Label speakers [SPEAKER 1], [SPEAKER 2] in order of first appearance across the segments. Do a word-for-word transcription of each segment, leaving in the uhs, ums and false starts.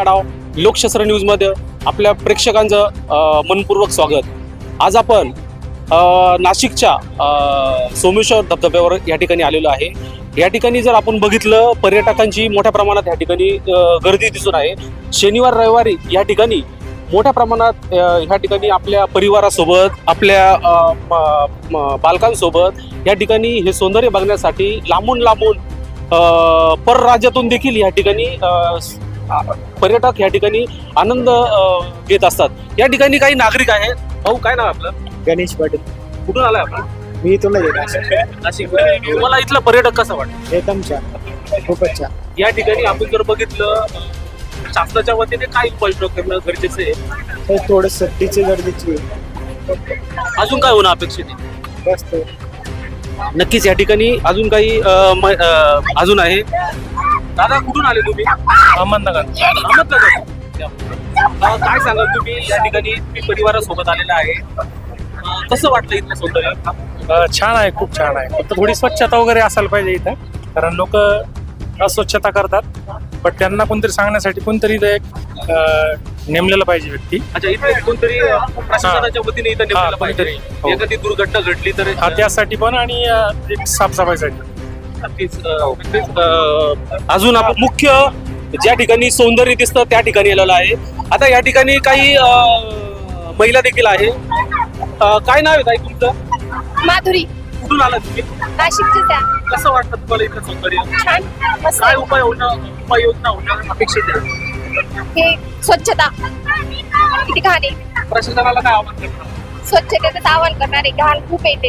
[SPEAKER 1] Adhav लोकशास्त्र news मध्ये आपल्या प्रेक्षकांचं अ, मनपूर्वक स्वागत। आज आपण अ, नाशिकच्या अ, सोमेश्वर धबधब्यावर या ठिकाणी आलेलो आहे। या ठिकाणी जर आपण बघितलं पर्यटकांची मोठ्या प्रमाणात या ठिकाणी अ, गर्दी दिसून आहे। शनिवार रविवारी या ठिकाणी मोठ्या प्रमाणात अ, ह्या ठिकाणी आपल्या परिवारासोबत आपल्या अ, म- म- बालकांसोबत या ठिकाणी हे सौंदर्य बघण्यासाठी लांबून लांबून अ, परराज्यातून देखील या ठिकाणी अ, स- आ- पर्यटक या ठिकाणी आनंद अ, घेत असतात। या ठिकाणी काही नागरिक आहेत। भाऊ काय नाव आहे आपलं?
[SPEAKER 2] गणेश पाटील.
[SPEAKER 1] कुठून आलाय आपण?
[SPEAKER 2] मी तुला देणार
[SPEAKER 1] नाशिक। तुम्हाला इथलं पर्यटक कसं वाटतं?
[SPEAKER 2] एकदम छान, खूपच छान.
[SPEAKER 1] या ठिकाणी आपण जर बघितलं अ, शासनाच्या वतीने काय उपाययोजना करणं गरजेचं आहे?
[SPEAKER 2] तर थोडं सक्तीची गर्दीची
[SPEAKER 1] अजून काय होणं अपेक्षित आहे?
[SPEAKER 2] बस तो.
[SPEAKER 1] नक्कीच या ठिकाणी अजून काही अ, म- अ, अजून आहे। दादा कुठून आले तुम्ही?
[SPEAKER 3] अहमदनगर.
[SPEAKER 1] अहमदनगर। अ, काय सांगाल तुम्ही? या ठिकाणी मी परिवारासोबत आलेला आहे। अ, कसं वाटलं इथलं सौंदर्य?
[SPEAKER 3] अ, छान आहे, खूप छान आहे. फक्त थोडी स्वच्छता वगैरे असायला पाहिजे इथं, कारण लोक अस्वच्छता करतात. पण त्यांना कोणतरी सांगण्यासाठी कोणतरी इथं एक अ, नेमलेलं पाहिजे व्यक्ती.
[SPEAKER 1] अच्छा, इथे कोणतरी अ, प्रशासनाच्या वतीने इथं नेमलेलं पाहिजे।
[SPEAKER 3] कोणतरी. हो.
[SPEAKER 1] एखादी दुर्घटना घडली तर
[SPEAKER 3] हा, त्यासाठी पण आणि अ, एक साफसफाईसाठी.
[SPEAKER 1] नक्कीच अ, नक्कीच, अ, अजून आपण मुख्य ज्या ठिकाणी सौंदर्य दिसतं त्या ठिकाणी आलेलं आहे। आता या ठिकाणी काही अ, महिला देखील आहे। अ, काय नाव आहे ताई तुमचं?
[SPEAKER 4] माधुरी,
[SPEAKER 1] कुठून आला तुम्ही?
[SPEAKER 4] नाशिकचीच आहे.
[SPEAKER 1] कसं वाटतं तुम्हाला इथलं सौंदर्य?
[SPEAKER 4] छान, मस्त
[SPEAKER 1] काय
[SPEAKER 4] आहे.
[SPEAKER 1] उपाय होणं उपाययोजना होणं अपेक्षित आहे?
[SPEAKER 4] हे स्वच्छता किती घाण आहे.
[SPEAKER 1] प्रशासनाला काय आवाहन करणार?
[SPEAKER 4] स्वच्छतेचं आवाहन करणारे घाण खूप येते.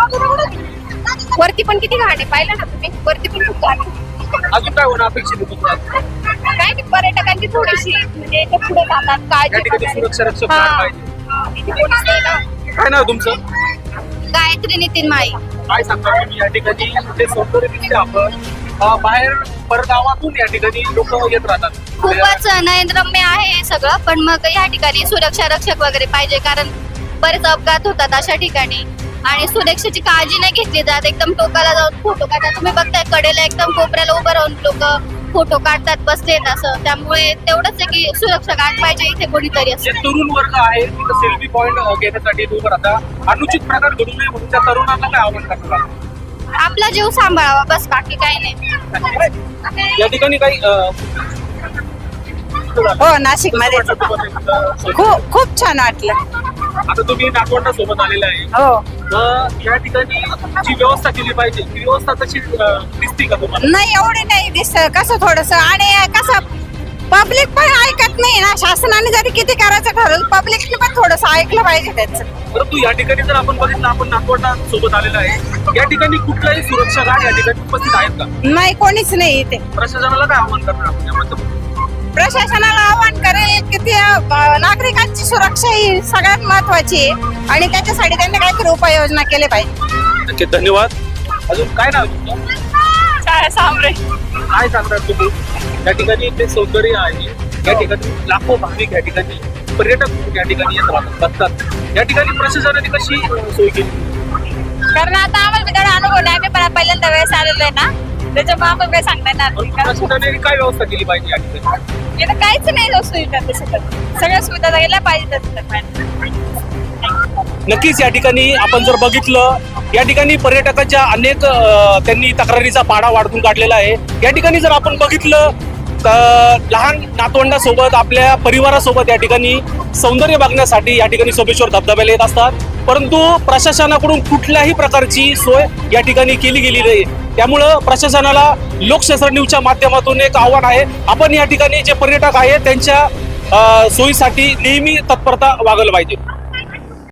[SPEAKER 4] वरती पण किती घाण आहे, पाहिलं ना तुम्ही? वरती पण खूप घाण आहे.
[SPEAKER 1] अजून काय होणं अपेक्षित आहे तुम्हाला?
[SPEAKER 4] काय नाही, पर्यटकांची थोडीशी म्हणजे ते पुढे जातात
[SPEAKER 1] या
[SPEAKER 4] काळजी
[SPEAKER 1] ठिकाणी
[SPEAKER 4] करणारे.
[SPEAKER 1] सुरक्षा रक्षक
[SPEAKER 4] हा.
[SPEAKER 1] पाहिजे।
[SPEAKER 4] इथे कोणीच नाही ना.
[SPEAKER 1] काय नाव तुमचं?
[SPEAKER 4] गायत्री नितीन माई.
[SPEAKER 1] काय सांगता तुम्ही? या ठिकाणी जे सौंदर्य दिसते आपण अ, बाहेर परगावातून या ठिकाणी लोक येत राहतात।
[SPEAKER 4] खूपच नयनरम्य आहे हे सगळं, पण मग या ठिकाणी सुरक्षा रक्षक वगैरे पाहिजे, कारण बरेच अपघात होतात अशा ठिकाणी आणि सुरक्षेची काळजी नाही घेतली जात। एकदम टोकाला जाऊन फोटो काढतात, तुम्ही बघताय कडेला एकदम कोपऱ्याला उभं राहून लोक फोटो काढतात बसलेत असं। त्यामुळे तेवढंच आहे की सुरक्षा गार्ड पाहिजे इथे कोणीतरी
[SPEAKER 1] जे
[SPEAKER 4] असं।
[SPEAKER 1] तरुण वर्ग आहे तिथं सेल्फी पॉइंट घेण्यासाठी उभं राहतात। अनुचित प्रकार घडू नये म्हणून त्या तरुणांना काय आवाहन करणार?
[SPEAKER 4] आपला जीव सांभाळावा बस, बाकी काही नाही।
[SPEAKER 1] या ठिकाणी काही अ,
[SPEAKER 5] हो, नाशिक मध्ये
[SPEAKER 1] कसं वाटलं तुम्हाला इथलं?
[SPEAKER 5] खूप खूप छान वाटलं.
[SPEAKER 1] आता तुम्ही नागवंडा सोबत आलेला आहे।
[SPEAKER 5] हो,
[SPEAKER 1] तर या ठिकाणी जी व्यवस्था केली पाहिजे ती व्यवस्था तशी अ, दिसते का तुम्हाला?
[SPEAKER 5] नाही एवढी नाही दिसत. कसं थोडस आणि कसं पब्लिक पण ऐकत नाही ना. शासनाने जरी किती करायचं ठरवलं, पब्लिकने पण थोडस ऐकलं पाहिजे त्याचं.
[SPEAKER 1] परंतु या ठिकाणी जर आपण बघितलं, आपण नागवंडा सोबत आलेला आहे, या ठिकाणी कुठलाही सुरक्षा गार्ड या ठिकाणी उपस्थित आहेत का?
[SPEAKER 5] नाही, कोणीच नाही इथे.
[SPEAKER 1] प्रशासनाला काय आवाहन करणार आपण याबद्दल?
[SPEAKER 5] प्रशासनाला आवाहन करेल की ते अं, नागरिकांची सुरक्षा ही सगळ्यात महत्वाची आहे आणि त्याच्यासाठी त्यांनी काहीतरी उपाययोजना केली पाहिजे.
[SPEAKER 1] नक्की, धन्यवाद। अजून काय नाव आहे तुमचं?
[SPEAKER 5] सांबरे.
[SPEAKER 1] काय सांगणार तुम्ही? या ठिकाणी ते सौंदर्य आहे, या ठिकाणी लाखो भाविक या ठिकाणी पर्यटक या ठिकाणी येत राहतात बसतात। या ठिकाणी प्रशासनाने कशी सोय केली?
[SPEAKER 5] कारण आता आम्हाला त्याला अनुभव नाही. आम्ही पण पहिल्यांदा वेळेस आलेलो आहे ना, त्याच्यामुळे आपण काही सांगता येणार नाही. कारण
[SPEAKER 1] प्रशासनाने काय व्यवस्था केली पाहिजे या ठिकाणी?
[SPEAKER 5] इथं काहीच नाही सुविधा तसं. सगळ्या सुविधा गेल्या पाहिजेत.
[SPEAKER 1] नक्कीच या ठिकाणी आपण जर बघितलं, या ठिकाणी पर्यटकांच्या अनेक अ, त्यांनी तक्रारीचा पाढा वाढवून काढलेला आहे। या ठिकाणी जर आपण बघितलं तर लहान नातवंडासोबत आपल्या परिवारासोबत या ठिकाणी सौंदर्य बघण्यासाठी या ठिकाणी सोमेश्वर धबधब्याला येत असतात, परंतु प्रशासनाकडून कुठल्याही प्रकारची सोय या ठिकाणी केली गेली नाही। त्यामुळं प्रशासनाला लोकशास्त्र न्यूजच्या माध्यमातून एक आव्हान आहे, आपण या ठिकाणी जे पर्यटक आहेत त्यांच्या अ, सोयीसाठी नेहमी तत्परता वागवलं पाहिजे।